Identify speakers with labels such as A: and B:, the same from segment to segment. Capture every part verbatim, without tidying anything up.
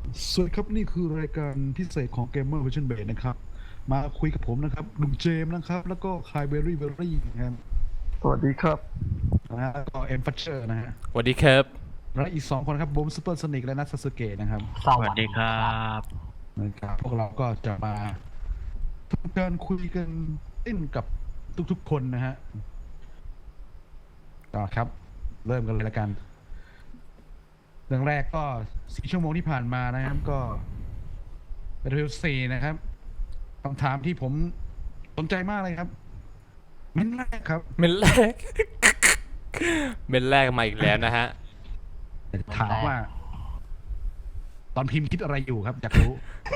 A: สวัสดีครับนี่คือรายการพิเศษของ Gamer Vision Base นะครับมาคุยกับผมนะครับลุงเจมส์นะครับแล้วก็คายเบอร์รี่เบอร์รี่นะครับ
B: สวัสดีครับ
A: นะฮะแล้วก็เอ็มฟัชเชอร์นะฮะ
C: สวัสดีครับ
A: และอีกสองคนครับบูมซูเปอร์โซนิกและนัทซาสึเกะนะครับ
D: สวัสดีครับ
A: นะครับพวกเราก็จะมาทำการคุยกันเล่นกับทุกๆคนนะฮะก็ครับเริ่มกันเลยละกันเรื่องแรกก็สี่ชั่วโมงที่ผ่านมานะครับก็เป็นเรื่องสี่นะครับคำถามที่ผมสนใจมากเลยครับเม้นแรกครับ
C: เมนแรก เมนแรกมาอีกแล้วนะฮะ
A: ถามว่า ตอนพิมพ์คิดอะไรอยู่ครับอยากรู้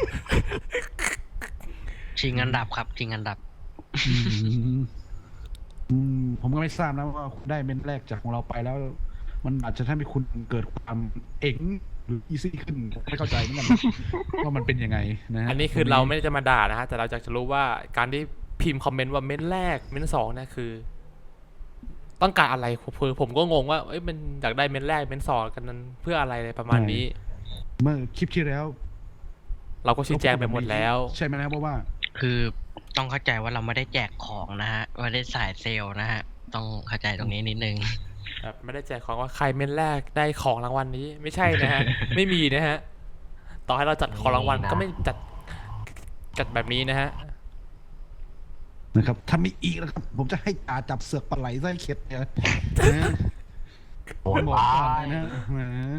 D: ชิงอันดับครับชิงอันดับ
A: อืมอืมผมก็ไม่ทราบนะว่าคุณได้เม้นแรกจากของเราไปแล้ว มันอาจจะทำให้คุณเกิดความเอ็งหรืออีซี่ขึ้นไม่เข้าใจเหมือนกันนะว่ามันเป็นยังไงนะฮะ
C: อันนี้คือเราไม่ได้จะมาด่านะฮะแต่เราอยากจะรู้ว่าการที่พิมพ์คอมเมนต์ว่าเมนแรกเมนสองเนี่ยคือ ต้องการอะไรผมผมก็งงว่าเอ้ยมันอยากได้เมนแรกเมนสองกันนั้นเพื่ออะไรประมาณนี้
A: เมื่อคลิปที่แล้ว
C: เราก็ชี้แจงไปหมดแล้ว
A: ใช่ไหมนะเพราะว่า
D: คือต้องเข้าใจว่าเราไม่ได้แจกของนะฮะไม่ได้สายเซลล์นะฮะต้องเข้าใจตรงนี้นิดนึง
C: แบบไม่ได้แจกของว่าใครเมนแรกได้ของรางวัลนี้ไม่ใช่นะฮะ ไม่มีนะฮะต่อให้เราจัดของรางวัลก็ไม่จัดจัดแบบนี้นะฮะ
A: นะครับถ้ามีอีกนะครับ ผมจะให้จ่าจับเสือกปลาไหลไส้เข็ดเนี่ยนะโอ้ยบอกก่อนเลยนะแหม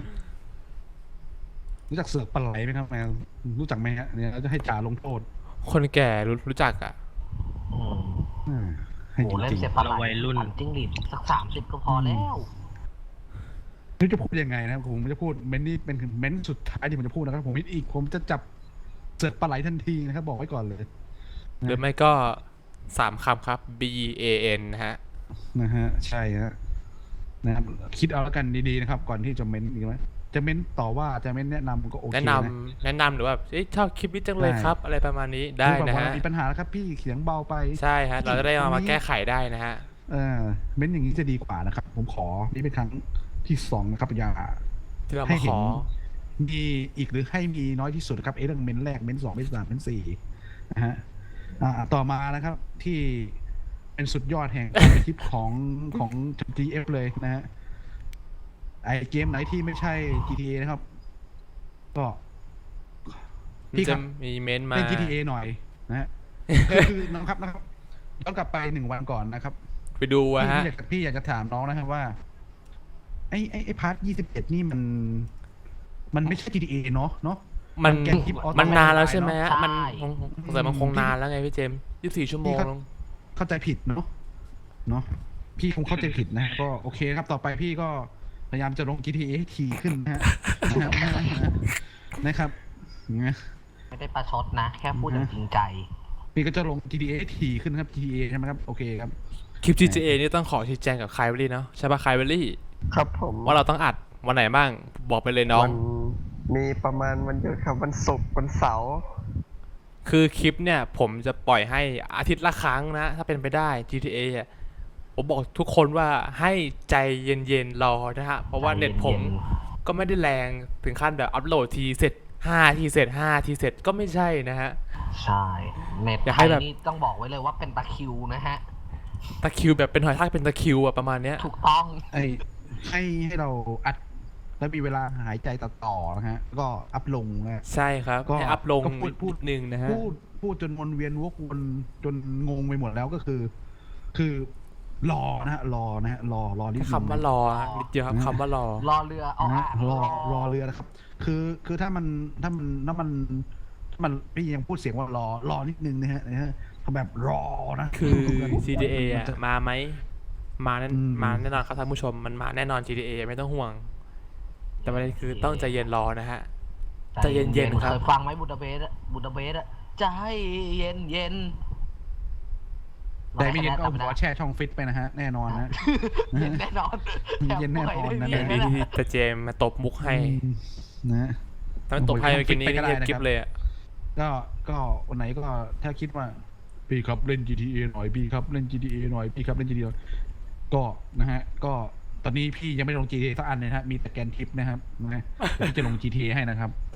A: รู้จักเสือกปลาไหลไหมครับแมวรู้จักไหมฮะเนี่ยเราจะให้จ่าลงโทษ
C: คนแก่รู้รู้จักอ่ะ
B: อืม
A: อืมให้
B: โห
A: จ
B: เล่น
A: ริง
B: เสียปลาไหล
D: เราวัยรุ่น
B: ปั่นจิ้งหรีดสักสามสิบก็พอแล้ว
A: ๆนี่จะพูดยังไงนะครับผมจะพูดเม้นนี่เป็นเม้นสุดท้ายที่ผมจะพูดนะครับผมอีกผมจะจับเสือกปลาไหลทันทีนะครับ บอกไว้ก่อนเลย
C: หรือไม่ก็สามคำครับ B A N นะฮะ
A: นะฮะใช่ฮะนะครับคิดเอาแล้วกันดีๆนะครับ ก่อนที่จะเม้นอีกไหมจะเม้นต่อว่าจะเม้นแนะนำก็โอเค
C: แนะนำแนะนำหรือว่าเอ้ยชอบคลิปนี้จังเลยครับ อะไรประมาณนี้ได้
A: คือแบบ
C: นะ
A: ว่า
C: ฮะ
A: มีปัญหาแล้วครับพี่เสียงเบาไป
C: ใช่ฮะ เราจะได้เอามาแก้ไขได้นะฮะ
A: เออเม้นอย่างนี้จะดีกว่านะครับ ผมขอนี่เป็นครั้งที่สองนะครับอย่า
C: ที่เรา
A: ให้
C: มาข
A: เห็น
C: อ
A: มีอีกหรือให้มีน้อยที่สุดครับเอเรื่องเม้นแรกเม้นสองเม้นสามเม้นสี่นะฮะอ่าต่อมานะครับ ที่เป็นสุดยอดแห่งการคลิปของของ จี เอฟ เลยนะฮะไอเกมไหนที่ไม่ใช่ จี ที เอ นะครับ ก็พี่ค
C: จะ
A: รับ
C: มีเมนต์มา
A: เล่น จี ที เอ หน่อยนะฮะ คือคือนะครับนะครับย้อนกลับไปหนึ่งวันก่อนนะครับ
C: ไปดูอะ
A: พี่
C: ฮะ
A: อยากพี่อยากจะถามน้องนะครับว่า ไอ้ไอ้ไอ้พาร์ทยี่สิบเอ็ดนี่มัน มันไม่ใช่ จี ที เอ เนาะเนาะ
C: มัน
A: แกนคลิปออโต้
C: มันนานแล้วใช่ไหมฮะ
B: ใช่
C: มันคงสงสัยมันคงนานแล้วไงพี่เจมส์ยี่สิบสี่ชั่วโมง
A: พี่ครับ เข้าใจผิดเนาะเนาะพี่คงเข้าใจผิดนะ ก็โอเคครับต่อไปพี่ก็พยายามจะลง จี ที เอ ให้ทีขึ้นนะฮะนะครับนะครับนะ
B: ไม่ได้ประชดนะ แค่พูดอย่างจริงใจ
A: พี่ก็จะลง จี ที เอ ให้ทีขึ้นครับ จี ที เอ ใช่ไหมครับโอเคครับ
C: คลิป จี ที เอ นี่ต้องขอชี้แจงกับคายเวลลี่เนาะใช่ป่ะคายเวลลี่
B: ครับผม
C: ว่าเราต้องอัดวันไหนบ้างบอกไปเลยน้อง
B: วันมีประมาณวันหยุดครับวันศุกร์วันเสาร์
C: คือคลิปเนี่ยผมจะปล่อยให้อาทิตย์ละครั้งนะ ถ้าเป็นไปได้ จี ที เอ อ่ะผมบอกทุกคนว่าให้ใจเย็นๆรอนะฮะ เพราะว่าเน็ตผมก็ไม่ได้แรงถึงขั้นแบบอัพโหลดทีเสร็จห้าทีเสร็จห้าทีเสร็จก็ไม่ใช่นะฮะ
B: ใช่เน็ต
C: อยาก
B: ไท
C: ให้
B: ย
C: แบบ
B: นี่ต้องบอกไว้เลยว่าเป็นตะคริวนะฮะ
C: ตะคริวแบบเป็นหอยทากเป็นตะคริวอะประมาณเนี้ย
B: ถูกต้อง
A: ไอ้ให้ให้เราอัดแล้วมีเวลาหายใจตัดต่อนะฮะก็อัพลงนะ
C: ใช่ครับ
A: ก็
C: ให้อัพลง
A: ก็พูดพูด
C: นิดนึงนะฮะ
A: พูดพูดจนวนเวียนวกวนจนงงไปหมดแล้วก็คือ คือรอนะฮะรอนะฮะรอรอนิดนึง
C: คำว่ารอฮะนิดเดียวครับคำว่ารอ
B: รอเรือเอา
A: นะ
B: อ่ะ
A: ฮะรอรอเรือนะครับ คือคือถ้ามันถ้ามันถ้ามันถ้ามันพี่ยังพูดเสียงว่ารอรอนิดนึงนะฮะนะฮะทำแบบรอนะ
C: คือ จี ที เอ อ่ะมาไหมมาแน่
A: อืม
C: มาแน่นอนครับท่านผู้ชมมันมาแน่นอน จี ที เอ ไม่ต้องห่วง แต่ประเด็นคือต้องใจเย็นรอนะฮะ ใจเย็นๆครับ
B: เคยฟังไหมบูดาเปสต์อะบูดาเปสต์อะใจเย็นเย็น
A: แต่ไม่เย็นก็เอาหัวแช่ช่องฟิตไปนะฮะแน่นอนนะ
B: เย็นแน่นอน
A: เย็นแน่นอนนะ
C: เดี๋ยวนี้ที่ตาเจมมาตบมุกให้
A: อืมนะ
C: ถ้ามันตบให้เมื่อกี้นี้
A: ไปก็ได้
C: เงียบ
A: นะครับ
C: กิ๊บเลยอ่ะ
A: ก็ก็วันไหนก็ถ้าคิดว่าพี่ครับเล่น จี ที เอ หน่อยพี่ครับเล่น จี ที เอ หน่อยพี่ครับเล่น จี ที เอ ก็นะฮะก็ตอนนี้พี่ยังไม่ลง จี ที เอ สักอันเลยนะฮะมีแต่แกนทิปนะครับนะฮะพี่จะลง จี ที เอ ให้นะครับ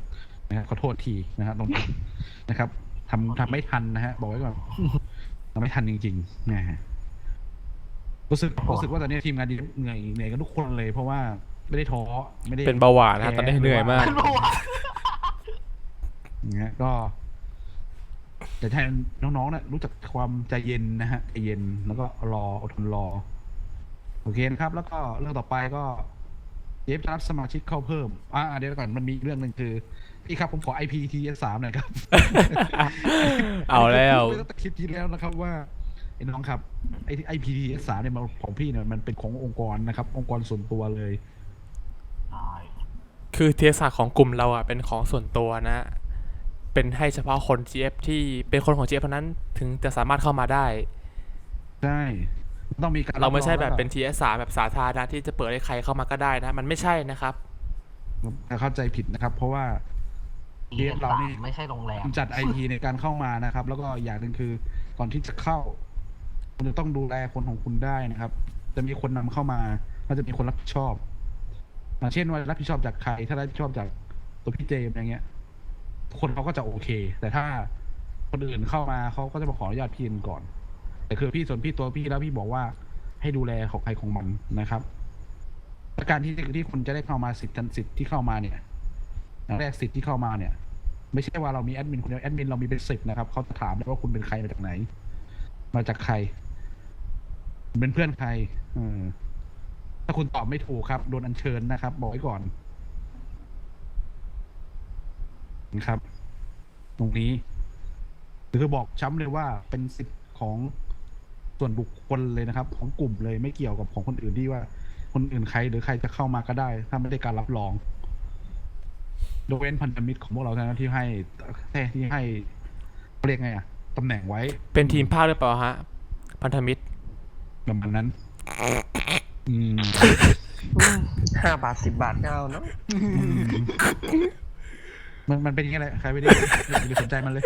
A: นะฮะขอโทษทีนะฮะตรงนี้นะครับทำทำไม่ทันนะฮะบอกไว้ก่อนทำไม่ทันจริงๆนะฮะรู้สึกรู้สึกว่าตอนนี้ทีมงานดีเหนื่อยเหนื่อยกันทุกคนเลย เพราะว่าไม่ได้ท้อไม่ได้
C: เป็นเบาหวานนะฮะตอนนี้เหนื่อยมาก
B: ขึ้นมาว่ะ
A: อย่างเงี้ยก็แต่ให้น้องๆนะรู้จักความใจเย็นนะฮะใจเย็นแล้วก็รออดทนรอโอเคนะครับ แล้วก็เรื่องต่อไปก็เจฟจะรับสมาชิกเข้าเพิ่มอ่าเดี๋ยวก่อนมันมีอีกเรื่องหนึ่งคือพี่ครับผมขอ ไอ พี ที เอส สามหน่อยครับ
C: เอาแล้ว
A: ผมตั้งแต่คลิปที่แล้วนะครับว่าไอ้น้องครับไอไอ พี ที เอส สามเนี่ยมันของพี่เนี่ยมันเป็นขององค์กรนะครับ องค์กรส่วนตัวเลย
B: ใช่
C: คือเทียศาสตร์ของกลุ่มเราอ่ะเป็นของส่วนตัวนะ เป็นให้เฉพาะคน จี เอฟ ที่เป็นคนของ จี เอฟ เท่านั้นถึงจะสามารถเข้ามาได้
A: ใช่ต้องมีการ
C: เราไม่ใช่แบบ
A: ล้วก็
C: เป็น ที เอส สาม แบบสาธารณะที่จะเปิดให้ใครเข้ามาก็ได้นะ มันไม่ใช่นะครับ
A: เข้าใจผิดนะครับ เพราะว่า
B: เรียน
A: เรานี่
B: ไม่ใช่โรงแรม
A: จัดไอทีในการเข้ามานะครับ แล้วก็อย่างหนึ่งคือก่อนที่จะเข้า คุณจะต้องดูแลคนของคุณได้นะครับ จะมีคนนำเข้ามาแล้วจะมีคนรับผิดชอบอย่างเช่นว่ารับผิดชอบจากใคร ถ้ารับผิดชอบจากตัวพี่เจมส์อย่างเงี้ย คนเขาก็จะโอเค แต่ถ้าคนอื่นเข้ามาเขาก็จะมาขออนุญาตพี่ก่อน แต่คือพี่ส่วนพี่ตัวพี่แล้วพี่บอกว่าให้ดูแลของใครของมันนะครับและการที่ที่คนจะได้เข้ามาสิทธิ์สิทธิ์ที่เข้ามาเนี่ยอย่างแรกสิทธิ์ที่เข้ามาเนี่ย ไม่ใช่ว่าเรามีแอดมินคนเดียวแอดมินเรามีเป็นสิบนะครับเขาจะถามเลยว่าคุณเป็นใครมาจากไหน มาจากใครเป็นเพื่อนใครเออถ้าคุณตอบไม่ถูกครับโดนอัญเชิญนะครับ บอกไว้ก่อนนะครับ ตรงนี้คือบอกช้ำเลยว่าเป็นสิทธิ์ของส่วนบุคคลเลยนะครับ ของกลุ่มเลยไม่เกี่ยวกับของคนอื่นที่ว่า คนอื่นใครหรือใครจะเข้ามาก็ได้ ถ้าไม่ได้การรับรองโดยเว้นพันธมิตรของพวกเราเท่านั้นที่ให้ที่ให้เขาเรียกไงอะตำแหน่งไว้
C: เป็นทีมภาคหรือเปล่าฮะ พันธมิตร
A: ประมาณนั้น อืม
E: ห้าบาทสิบบาทก็เอาเนาะ
A: มันมันเป็นอย่างนี้แหละใครไม่ได้อย่าไปสนใจมันเลย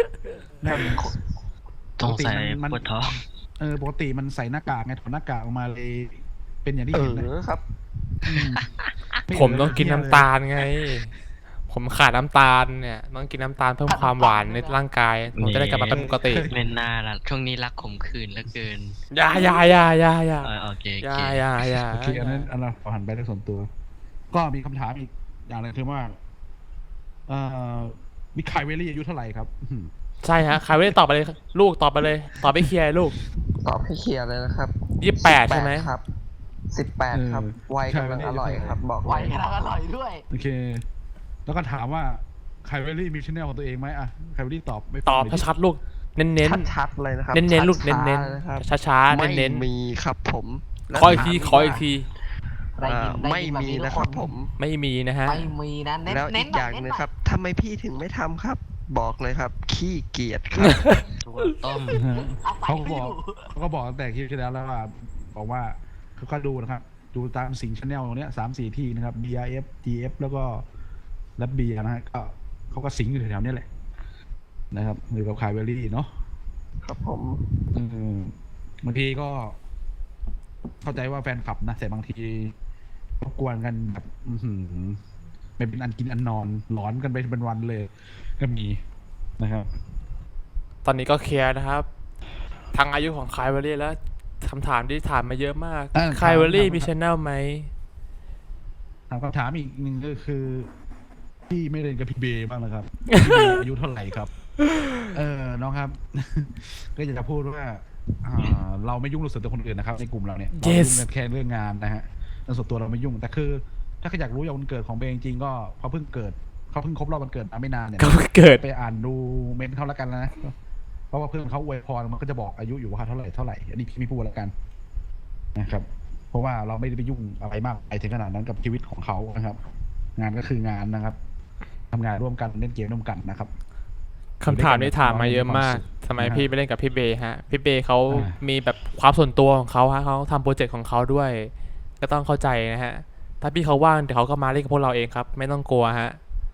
D: สงสัย
A: มัน
D: ปวดท้อง
A: เออปกติมันใส่หน้ากากไงถอดหน้ากากออกมาเลย เป็นอย่างที่
E: เอ
A: เห็นนะ
E: อครับ
A: มไ
C: ผมต้องกินน้ำตา
A: ล
C: ลไง ผมขาดน้ำตาลเนี่ย ต้องกินน้ำตาลเพิ่มความหวานในร่างกาย ผมจะได้กลับมาเป็นปกติ
D: ไม่น่าละช่วงนี้รักขมขื่นเหลือเกิน
C: อย่าอย่าอย่าอย่าอย่า
D: เออโอเค
C: อ
D: โอย่
C: า
D: เค
C: อย่าอย่า
A: โอเคอันนั้นอันนั้นขอหันไปเรื่องส่วนตัว ก็มีคำถามอีกอย่างหนึงคือว่าเอ่อมิคายเวลลี่อายุเท่าไหร่ครับอื้อหือ
C: ใช่ฮะใครไม่ได้ตอบไปเลย ลูกตอบไปเลย ตอบไปเคลียร์ลูก
E: ตอบให้เคลียร์เลยนะครับ
C: ยี่สิบแปดใช่ไหม
E: ครับสิบแปดครับไวกำลังอร่อยครับ บอก
B: ไหว
E: เลย
B: กำลังอร่อยด้วย
A: โอเค แล้วก็ถามว่าคายเวลลี่มีชแนลของตัวเองไหมอ่ะคายเวลลี่ตอบไม่
C: ตอบ
A: ไม่
C: ชัดๆลูก เน้นเน้น
E: ชัดๆเลยนะครับ
C: เน้นเน้นๆลูก เน้น
E: ช้า
C: เน้น
E: ๆนะครับ
C: ช้าช้าๆ
E: ไม่
C: เน้นเน้น
E: มีครับผม
C: ๆขออีกทีขออีกที
B: ได้ยิน
E: อ่า
B: ได้
E: ไม่
B: ยินแบบ
E: มี
B: นี้ทุ
E: นะ
B: ก
E: ครับ
B: น
E: ผม
C: ไม่มีนะฮะ
B: ไม่มีนะเน้น
E: แล้ว
B: เน้
E: อี
B: น
E: ก
B: ห
E: อ
B: น่
E: ย่าง
B: เน้น
E: หนึง
B: หน่
E: ครับทำไมพี่ถึงไม่ทำครับ บอกเลยครับ ขี้เกียจครับ
D: ตัวต้ม
B: เอาไป
A: เขาก็
B: ให้
A: บอก
B: ดู
A: เขาก็บอกตั้งแต่คลิปที่แล้วแล้วว่าบอกว่าเขาก็ดูนะครับ ดูตามสิงชแนลตรงเนี้ยสามสี่ที่นะครับ บี อาร์ เอฟ จี เอฟ แล้วก็และเบียนะฮะก็เขาก็สิงอยู่แถวๆเนี้ยแหละนะครับอยู่กับคายเวลลี่เนาะ
E: ครับผม
A: อืมบางทีก็ เข้าใจว่าแฟนคลับนะแต่บางทีรบกวนกันแบบ อือหือไม่เป็นอันกินอันนอนหลอนกันไปเป็นวันเลย ก็มีนะครับ
C: ตอนนี้ก็เคลียร์นะครับ ทางอายุของคายเวอรี่แล้วคำถามที่ถามมาเยอะมาก
A: เออ
C: คายเวอรี่
A: ถาม
C: มีชแนลไหม
A: ถามคำถามอีกหนึ่งก็คือ พี่ไม่เล่นกับพี่เบย์บ้างนะครับ พี่เบย์อายุเท่าไหร่ครับ เออน้องครับ ก็อยากจะพูดว่าอ่า เราไม่ยุ่งเรื่องส่วนตัวคนอื่นนะครับ ในกลุ่มเราเนี่ยเรา
C: Yes
A: ยุ่งกันแค่เรื่องงานนะฮะเรื่องส่วนตัวเราไม่ยุ่งแต่คือ ถ้าใครอยากรู้อย่างวันเกิดของเบย์จริงๆก็เขาเพิ่งเกิดเขาเพิ่งครบรอบวันเกิดมาไม่นานเนี่ย
C: ก็เกิด
A: ไปอ่านดูเมนต์เขาแล้วกันนะเพราะว่าเพื่อนเขาอวยพรมันก็จะบอกอายุอยู่ว่าเท่าไหร่เท่าไหร่อันนี้พี่ไม่พูดแล้วกันนะครับ เพราะว่าเราไม่ได้ไปยุ่งอะไรมากไปถึงขนาดนั้นกับชีวิตของเขานะครับ งานก็คืองานนะครับทำงานร่วมกันเล่นเกมร่วมกันนะครับ
C: คำถามที่ถามมาเยอะมากทำไมพี่ไปเล่นกับพี่เบย์ฮะ พี่เบย์เขามีแบบความส่วนตัวของเขาฮะเขาทำโปรเจกต์ของเขาด้วย ก็ต้องเข้าใจนะฮะ ถ้าพี่เขาว่างเดี๋ยวเขาก็มาเล่นกับพวกเราเองครับ ไม่ต้องกลัวฮะ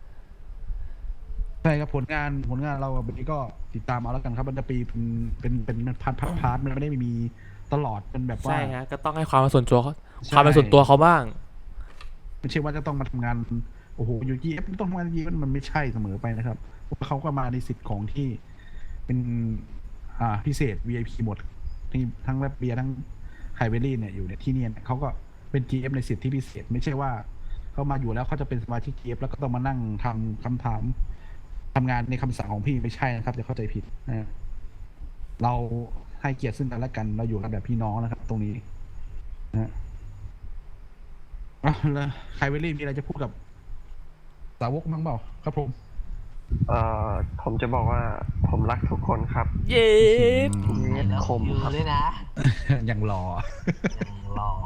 A: ใช่ครับผลงานผลงานเราแบบนี้ก็ติดตามเอาแล้วกันครับมันจะปีเป็นเป็นเป็นพาร์ทพาร์ทพาร์ทมันไม่ได้มีตลอดเป็นแบบว่า
C: ใช่ฮะ ก็ต้องให้ความเป็นส่วนตัวเขา
A: ใช่
C: ความเป็นส่วนตัวเขาบ้าง
A: ไม่ใช่ว่าจะต้องมาทำงานโอ้โหอยู่ จี เอฟ ต้องทำงาน จี เอฟ มันไม่ใช่เสมอไปนะครับเพราะเขาก็มาในสิทธิ์ของที่เป็นอ่าพิเศษ วี ไอ พี หมดที่ทั้งแรปเบียร์ทั้งไฮเวลี่เนี่ยอยู่เนี่ยที่เนี่ยเขาก็เป็น จี เอฟ ในสิทธิที่พิเศษ ไม่ใช่ว่าเขามาอยู่แล้วเขาจะเป็นสมาชิก จี เอฟ แล้วก็ต้องมานั่งทำคำถามทำงานในคำสั่งของพี่ไม่ใช่นะครับจะเข้าใจผิดนะเราให้เกียรติซึ่งกันและกันเราอยู่กันแบบพี่น้องนะครับ ตรงนี้นะอ่ะแล้วไฮเวลี่มีอะไรจะพูดกับสาวกมั้งเปล่าครับผม
E: เอ่อผมจะบอกว่าผมรักทุกคนครับ
C: เย้
E: เย็ด
B: แล้ว
E: คม
B: ยื
E: ครับ
B: นเลยนะ
A: ยังรอ
B: ยังรอ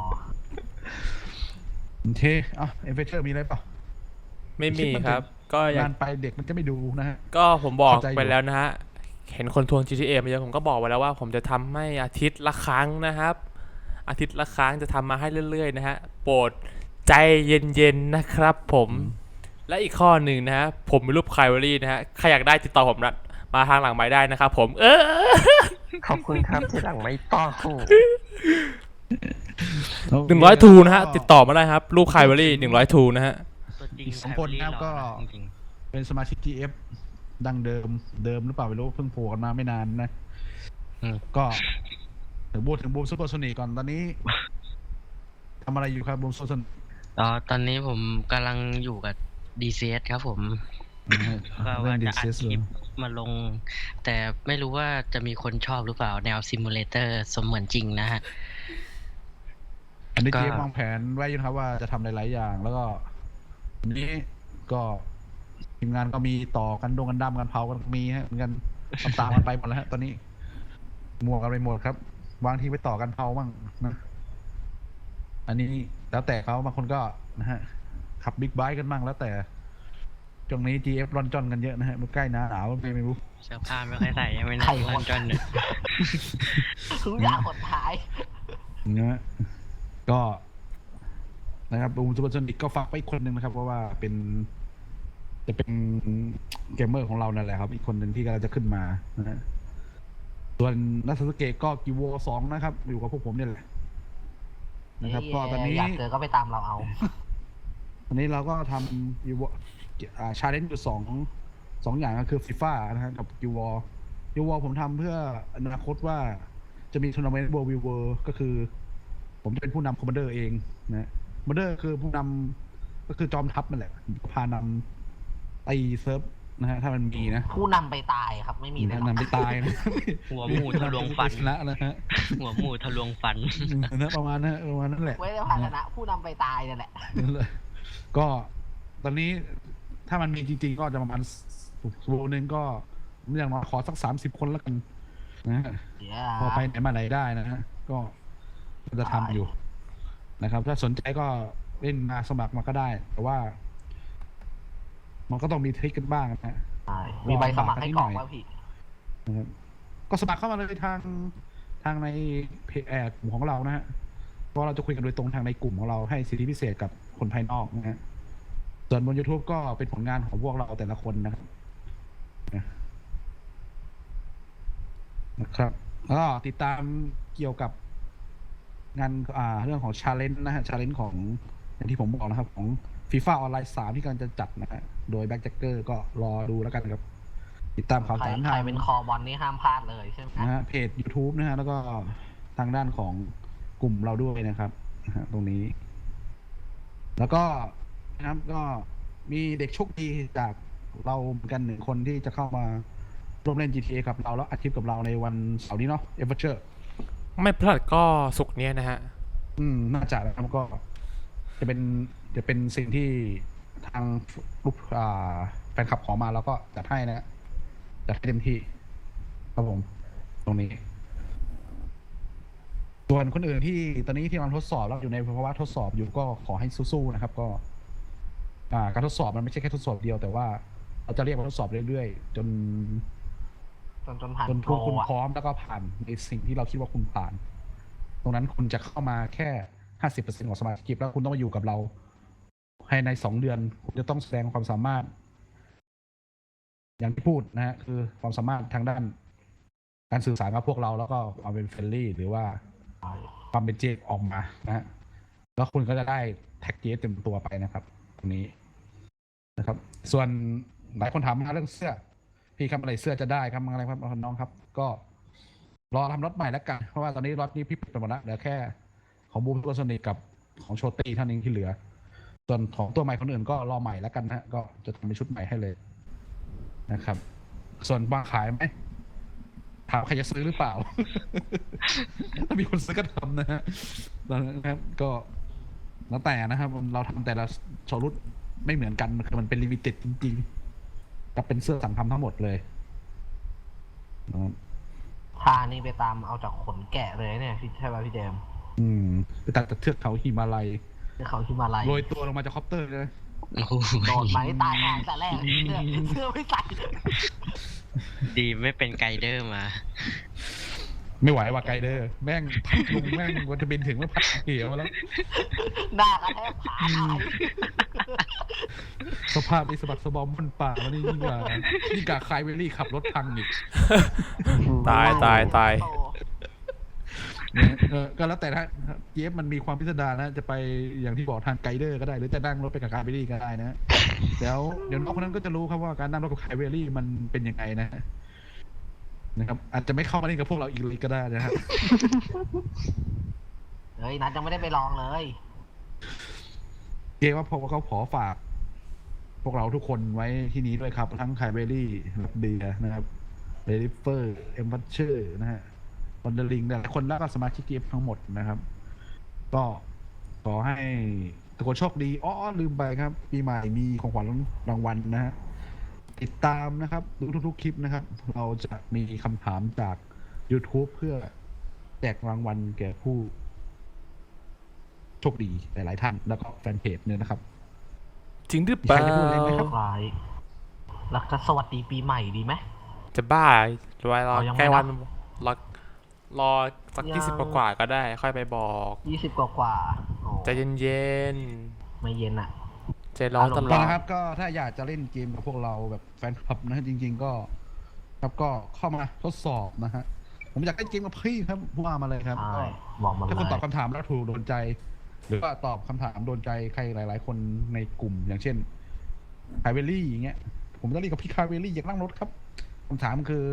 A: โอเคอ่ะเอฟเฟเชอร์มีอะไรเปล่า
C: ไม่มีครับ ก็อย่าง
A: นานไปเด็กมันจะไม่ดูนะฮะ
C: ก็ผมบอก
A: เข้าใจอยู่
C: ไปแล้วนะฮะ เห็นคนทวง จี ที เอ มาเยอะผมก็บอกไว้แล้วว่า ผมจะทำให้อาทิตย์ละครั้งนะครับ อาทิตย์ละครั้งจะทำมาให้เรื่อยๆนะฮะ โปรดใจเย็นๆนะครับผม และอีกข้อหนึ่งนะฮะ ผมมีรูปไคลเวอรี่นะฮะ ใครอยากได้ติดต่อผมนะมาทางหลังไม้ได้นะครับผม เออ
E: ขอบคุณครับที่หลังไม่ต้อง
C: หนึ่งร้อยทูนะฮะ ติดต่อมาได้ครับ รูปไคลเวอรี่หนึ่งร้อยทูนะฮะ
D: ตัวจริง
A: อีกสองคนนะครับก็
D: จริง
A: เป็นสมาชิก จี เอฟ ดังเดิมเดิมหรือเปล่าไม่รู้เพิ่งโผล่กันมาไม่นานนะ
D: อืม
A: ก็ถึงบูมถึงบูมซูเปอร์โซนิกก่อนตอนนี้ทำอะไรอยู่ครับบูมซูเปอร์โซนิก
D: ๆอ๋อตอนนี้ผมกำลังอยู่กับ ดี ซี เอส ครับผม ก็
A: เรื่
D: ว่า
A: องดี
D: จะอั
A: เซ
D: ด
A: ส
D: คลิปมาลง แต่ไม่รู้ว่าจะมีคนชอบหรือเปล่าแนวซิมูเลเตอร์สมเหมือนจริงนะฮะ
A: อันนี้
D: ก็
A: เจฟวางแผนไว้อยู่นะครับว่าจะทำหลายๆอย่าง แล้วก็วันนี้ก็ทีมงานก็มีต่อกันดงกันดำกันเผากันมีฮะเหมือนกันตามๆกันไปหมดแล้วฮะตอนนี้มัวกันไปหมดครับวางที่ไปต่อกันเผาบ้างนะอันนี้แล้วแต่เขาบางคนก็นะฮะขับบิ๊กไบค์กันบ้างแล้วแต่ช่วงนี้ จี เอฟ รอนจอนกันเยอะนะฮะมันใกล้หน้าหนาวไม่ไม่รู้
D: เสื้อผ้าไม่ค่อยใส่ยังไม่น่า
B: ใครวะ
D: ลันจอนเนี่ย
B: ทุกอย่างกดท้าย
A: นะฮะก็นะครับบูมซูเปอร์โซนิกก็ฝากไปอีกคนหนึ่งนะครับ เพราะว่าเป็น จะเป็นเกมเมอร์ของเรานั่นแหละครับ อีกคนหนึ่งที่กำลังจะขึ้นมานะฮะส่วนนัทสเกตก็กิวโวสองนะครับ อยู่กับพวกผมเนี่ยแหละนะครับ ก็ตอนนี้
B: อยากเจอก็ไปตามเราเอา
A: ตอนนี้เราก็ทำกิวอ่าชาเลนจ์อยู่สองสองอย่างก็คือฟีฟ่านะฮะกับกิววอกิววอผมทำเพื่ออนาคตว่าจะมีทัวร์นาเมนต์เวิลด์วิวเวอร์ก็คือ ผมจะเป็นผู้นำคอมมานเดอร์เองนะคอมมานเดอร์คือผู้นำก็คือจอมทัพนั่นแหละพานำตีเซิร์ฟนะฮะถ้ามันมีนะ
B: ผู้นำไปตายครับ ไม่มีเลยหรอก
A: นำไปตายนะ
D: หัวหมูทะลวงฟัน
A: ชนะนะฮะ
D: หัวหมูทะลวงฟัน
A: นะประมาณนั้นประมาณนั้นแหละ
B: ไว้ในภาชนะผู้นำไปตายนั่นแหละ
A: นั่นแหละก็ตอนนี้ถ้ามันมีจริงๆ ก็จะประมาณโซนหนึ่งก็ผมอย่างน้อยขอสักสามสิบคนแล้วกันนะฮะ
B: เดี๋ยว
A: พอไปไหนมาไหนได้นะฮะก็ก็จะทำอยู่นะครับ ถ้าสนใจก็เล่นมาสมัครมาก็ได้ แต่ว่า มันก็ต้องมีทริคกันบ้างนะฮะ
B: ใช่มีใบสมัครให้กรอกว่าพี่
A: นะครับก็สมัครเข้ามาเลยทางทางในเพจแอดกลุ่มของเรานะฮะเพราะเราจะคุยกันโดยตรงทางในกลุ่มของเราให้สิทธิพิเศษกับคนภายนอกนะฮะส่วนบน YouTube ก็เป็นผลงานของพวกเราแต่ละคนนะครับนะครับแล้วก็ติดตามเกี่ยวกับงานอ่าเรื่องของชาเลนจ์นะฮะชาเลนจ์ของอย่างที่ผมบอกนะครับ ของ FIFA ออนไลน์สามที่กำลังจะจัดนะฮะโดยแบ็คแจ็คเกอร์ก็รอดูแล้วกันครับ ติดตามข่าว
B: ใคร
A: สาร
B: ใค
A: ทาร ง
B: เป็นคอบอลนี่ห้ามพลาดเลยใช่ไหม
A: นะฮะเพจ YouTube นะฮะแล้วก็ทางด้านของกลุ่มเราด้วยนะครับนะฮะตรงนี้ แล้วก็นะครับก็มีเด็กโชคดีจากเราเหมือนกันหนึ่งคนที่จะเข้ามาร่วมเล่น จี ที เอ กับเราแล้วอัดคลิปกับเราในวันเสาร์นี้เนาะเอเวอร์เชอร์
C: ไม่พลาดก็สุกร์เนี้ยนะฮะ
A: อืมน่าจะนะครับก็ จะเป็นจะเป็นสิ่งที่ทางลูกอ่าแฟนคลับขอมาแล้วก็จัดให้นะฮะจัดให้เต็มที่ครับผมตรงนี้ ส่วนคนอื่นที่ตอนนี้ที่กำลังทดสอบแล้วอยู่ในภาวะทดสอบอยู่ก็ขอให้สู้ๆนะครับ ก็ อ่า การทดสอบมันไม่ใช่แค่ทดสอบเดียวแต่ว่าเราจะเรียกว่าทดสอบเรื่อยๆจน
B: จนจนผ่าน
A: จน
B: โป
A: พ
B: ร
A: วกคุณ
B: อะ
A: พร้อมแล้วก็ผ่านในสิ่งที่เราคิดว่าคุณผ่าน ตรงนั้นคุณจะเข้ามาแค่ห้าสิบเปอร์เซ็นต์ของสมาชิกแล้วคุณต้องมาอยู่กับเราภายในสองเดือนคุณจะต้องแสดงความสามารถ อย่างที่พูดนะฮะคือความสามารถทางด้าน การสื่อสารกับพวกเราแล้วก็ความเป็นเฟรนลี่หรือว่าความเป็นเจออกมานะฮะแล้วคุณก็จะได้แท็กเจเต็มตัวไปนะครับตรงนี้นะครับ ส่วนหลายคนถามมาเรื่องเสื้อ พี่ครับอะไรเสื้อจะได้ครับอะไรครับน้องครับ ก็รอทำรถใหม่แล้วกัน เพราะว่าตอนนี้รถนี้พี่ปิดไปหมดแล้วเหลือแค่ของบูมตัวสนิทกับของโชตี้เท่านี้ที่เหลือ ส่วนของตัวใหม่คนอื่นก็รอใหม่แล้วกันนะฮะก็จะทำเป็นชุดใหม่ให้เลยนะครับ ส่วนวางขายไหมถามใครจะซื้อหรือเปล่า ถ้ามีคนซื้อก็ทำนะฮะนะครับก็แล้วแต่นะครับเราทำแต่ละโชว์รุ่นไม่เหมือนกันคือมันเป็นลิมิเต็ดจริงๆก็เป็นเสื้อสั่งทำทั้งหมดเลยนะครับ
B: ท่านี้ไปตามเอาจากขนแกะเลยเนี่ยพี่ใช่ป่ะพี่เดม
A: อืมไปตัดจากเทือกเขาหิมาลัย
B: ที่เขาที่มาลัย
A: โรยตัวลงมาจากคอปเตอร์เลย
D: โอ้โห
B: โดนไหมตายหายแต่แรกเสื้อเสื้อไม่ใส่
D: ดีไม่เป็นไกด์เดอร์มา
A: ไม่ไหวว่ะไกลเดอร์แม่งพัดลงแม่งวันจะบินถึงแล้วพัดเหี่ยวมาแล้ว
B: หน้ากระแทกขาหาย
A: สภาพไอ้สะบักสะบอมบนป่าแล้วนี่ยิ่งกว่ายิ่งกว่าคายเวลลี่ขับรถพังอีก
C: ตายตายตาย
B: โต
A: เนี่ยเออก็แล้วแต่ถ้าเยฟมันมีความพิสดารนะจะไปอย่างที่บอกทางไกด์เดอร์ก็ได้หรือจะนั่งรถไปกับคายเวลลี่ก็ได้นะแล้วเดี๋ยวน้องคนนั้นก็จะรู้ครับว่าการนั่งรถกับคายเวลลี่มันเป็นยังไงนะนะครับอาจจะไม่เข้ามาเล่นกับพวกเราอีกเลยก็ได้นะฮะ
B: เฮ้ยนัทยังไม่ได้ไปลองเลย
A: เกว่าพอเขาขอฝาก พวกเราทุกคนไว้ที่นี้ด้วยครับ ทั้งไคเบอรี่ลับเดียนะครับเดลิเฟอร์เอ็มบัชเชอร์นะฮะวันเดอร์ลิงหลายคนแล้วก็สมาชิกเกมทั้งหมดนะครับ ก็ขอให้ทุกคนโชคดีอ๋อลืมไปครับ ปีใหม่มีของขวัญรางวัลนะฮะติดตามนะครับดูทุกๆคลิปนะครับ เราจะมีคำถามจาก YouTube เพื่อแจกรางวัลแก่ผู้โชคดีหลายๆท่านแล้วก็แฟนเพจเนี่ยนะครับ
C: จริงหรือเปล่า
A: ใครจะพูดอะไรไหมครับ
B: คล้ายแล้วก็สวัสดีปีใหม่ดีไหม
C: จะบ้าจะไปรอ
B: เอายังไม่
C: ใกล้วัน
B: นับ
C: รอรอสัก
B: ยัง
C: ยี่สิบกว่าๆก็ได้ ค่อยไปบอก
B: ยี่สิบกว่ากว่าๆโอ้
C: ใจเย็น
B: ไม่เย็นอ่ะ
C: ๆใจร้อนตล
A: ก็
C: อด
A: นะครับก็ถ้าอยากจะเล่นเกมกับพวกเราแบบแฟนคลับนะฮะจริง ๆ ก็ครับก็เข้ามาทดสอบนะฮะผมอยากเล่นเกมกับพี่ครับว่ามาเลยครับ
B: ใช่
A: ก็
B: บอกมาเล
A: ถ้าคุณตอบ
B: ย
A: คำถามแล้วถูกโดนใจ หรือว่าตอบคำถามโดนใจใครหลาย ๆ คนในกลุ่ม อย่างเช่นคาเวลลี่อย่างเงี้ย ผมจะเล่นกับพี่คาเวลลี่อยากนั่งรถครับคำถามคือ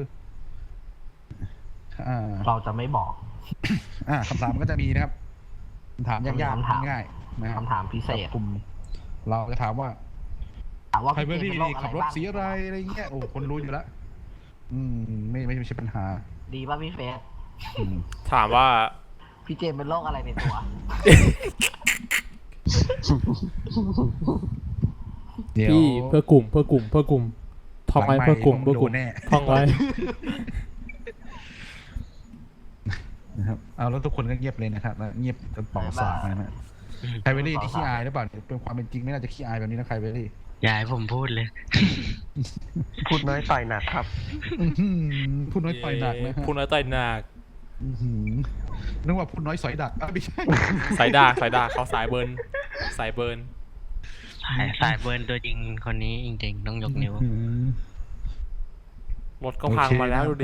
A: อ่า
B: เราจะไม่บอก
A: อ่าคำถามก็จะมีนะครับคำถามยาก
B: คำถาม
A: ๆง่ายๆนะครับ
B: คำถามพิเศษ
A: กลุ่ม เราจะถามว่า
B: ถามว่า
A: ไฮเบอ
B: พี่
A: รี่
B: เจมส์เป็นโรค
A: ขับรถ
B: บ้าง
A: สีอะไรอะไรเงี้ยโอ้คนรู้อยู่แล้วอืมไม่ไม่ไม่ใช่ปัญหา
B: ดีป่ะพี่เฟส
A: อืม
C: ถามว่า
B: พี่เจมส์เป็นโรคอะไรในตัว
A: เดี๋ยว
C: พี่เพื่อกลุ่มเพื่อกลุ่มเพื่อกลุ่มท่องไว้
A: หลังไมค์
C: เพื่อกลุ่ม
A: ผม
C: เพื่อกลุ่ม
A: โดนแน่
C: ท่องไว้
A: นะครับเอาแล้วทุกคนก็เงียบเลยนะครับแล้วเงียบจนเป่าสากนะฮะไฮเบอรี่ที่ขี้อายหรือเปล่าเป็นความเป็นจริงไม่น่าจะขี้อายแบบนี้นะไฮเบอรี่
D: อย่าให้ผมพูดเลย
E: พูดน้อยต่อยหนักครับ
A: อื้อหือพูดน้อยต่อยหนักนะฮะ
C: พูดน้อยต่อยหนัก
A: อื้อหือนึกว่าพูดน้อยสอยดักอ้าวไม่ใช่
C: สายดาสายดาเขาสายเบิร์นสายเบิร์น
D: สายสายเบิร์นตัวจริงคนนี้จริงๆต้องยกนิ้ว
A: อื้อหือ
C: รถก็พังมาแล้วดูดิ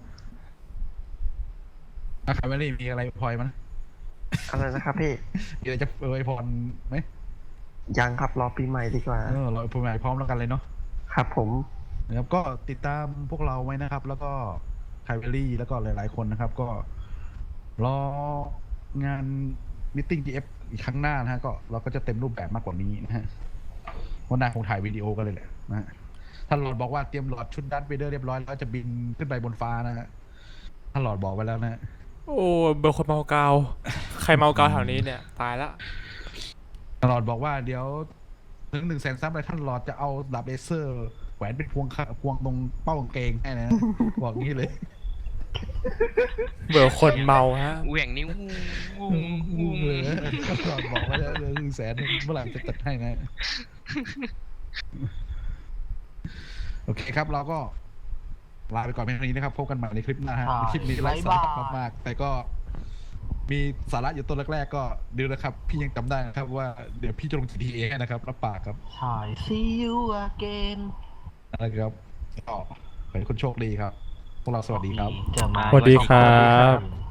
A: อ่ะไฮเบอรี่มีอะไรพลอยมั้ย
E: อะไรนะครับพี่
A: มีอะไรจะอวยพรไหม
E: ยังครับรอปีใหม่ดีกว่า
A: เออเราอวยพรใหม่พร้อมแล้วกันเลยเนาะ
E: ครับผม
A: นะครับก็ติดตามพวกเราไว้นะครับ แล้วก็ไคเวลลี่แล้วก็หลาย ๆ คนนะครับ ก็รองานมิทติ้ง จี เอฟ อีกครั้งหน้านะฮะก็เราก็จะเต็มรูปแบบมากกว่านี้นะฮะวันหน้าคงถ่ายวิดีโอกันเลยแหละนะฮะถ้าหลอดบอกว่าเตรียมหลอดชุดดัตเวเดอร์เรียบร้อยแล้วจะบินขึ้นไปบนฟ้านะฮะถ้าหลอดบอกไว้แล้วนะฮะ
C: โอ้เบอร์คนเมากาวใครเมากาวแถวนี้เนี่ยตายละ
A: ถ้าหลอดบอกว่าเดี๋ยวถึงหนึ่งแสนซับเลยท่านหลอดจะเอาดาบเลเซอร์แหวนเป็นพวงค่ะพวงตรงเป้ากางเกงให้นะ บอกงี้เลย
C: เบอร์คนเมาฮะ
D: เหวี่ยงนิ้ว
A: งูเลยก่อนบอกว่าจะเหลือหนึ่งแสนเมื่อไหร่จะจัดให้นะ โอเคครับเราก็ลาไปก่อนเพียงเท่านี้นะครับ พบกันใหม่ในคลิปหน้าฮะ
B: ใช่
A: คลิปนี้ไร้สาระ
B: บ๊ายบาย
A: มากๆแต่ก็มีสาระอยู่ต้นแรกๆก็ดูนะครับ พี่ยังจำได้นะครับว่าเดี๋ยวพี่จะลง จี ที เอ ให้นะครับรับปากครับ
B: ใช่ see you again
A: นะครับก็ขอให้คุณโชคดีครับ พวกเราสวัสดีครับ
B: เจอมา
C: สวัสดีครับ
B: สวัสดี